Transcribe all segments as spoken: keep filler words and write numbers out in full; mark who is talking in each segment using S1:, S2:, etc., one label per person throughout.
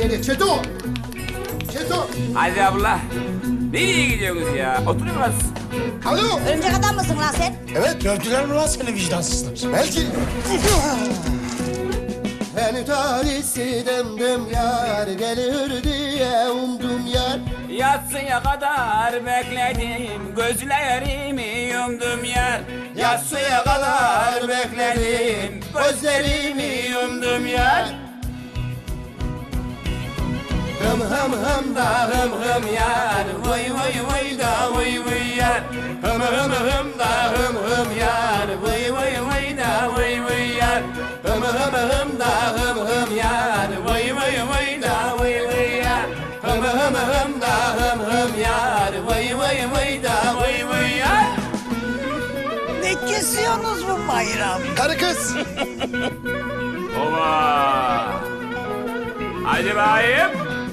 S1: nereye? Çeto! Çeto!
S2: Hadi abla. Nereye gidiyorsunuz ya? Oturun biraz.
S1: Alo!
S3: Örümcek adam mısın lan sen?
S4: Evet, gördüler mi lan seni vicdansızlar?
S1: Belki. Beni talihsiz demdim yar, gelir diye umdum yar.
S2: Yatsıya kadar bekledim, gözlerimi yumdum yer. Yatsıya kadar bekledim, gözlerimi yumdum yer. Hım hım hım da hım hım yar, vay vay vay da vay vay yar. Hım hım hım da hım hım yar, vay vay vay da vay vay yar. Hım hım hım da hım hım yar, vay vay vay da vay vay yar. Hım hım hım da hım hım yar, vay vay vay da vay vay yar.
S5: Ne kesiyorsunuz bu bayram?
S1: Karı kız!
S2: Oba! Hadi bakayım.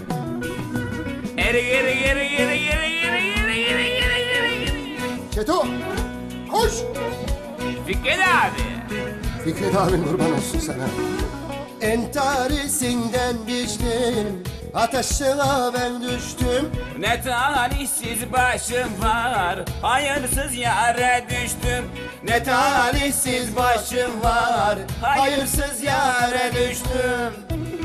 S2: Geri geri geri geri geri geri geri geri geri geri geri.
S1: Çeto! Koş!
S2: Fikret abi.
S1: Fikret abin kurban olsun sana. Entarisinden biçtim, ateşine ben düştüm.
S2: Ne talihsiz başım var, hayırsız yere düştüm. Ne talihsiz başım var, hayırsız yere düştüm.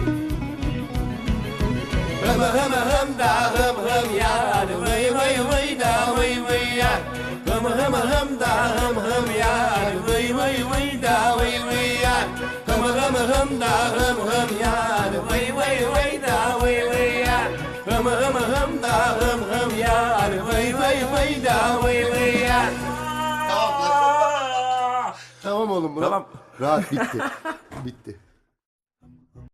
S2: Hım hım hım da hım hım yar, vay vay vay da vay vay yar. Hım hım hım da hım hım yar, vay vay vay da vay vay yar. Hım hım hım da hım hım yar, vay vay vay da vay vay yar. Hım hım hım da hım hım yar, vay vay vay da vay vay yar.
S1: Tamam oğlum Murat.
S2: Tamam.
S1: Rahat bitti. Bitti.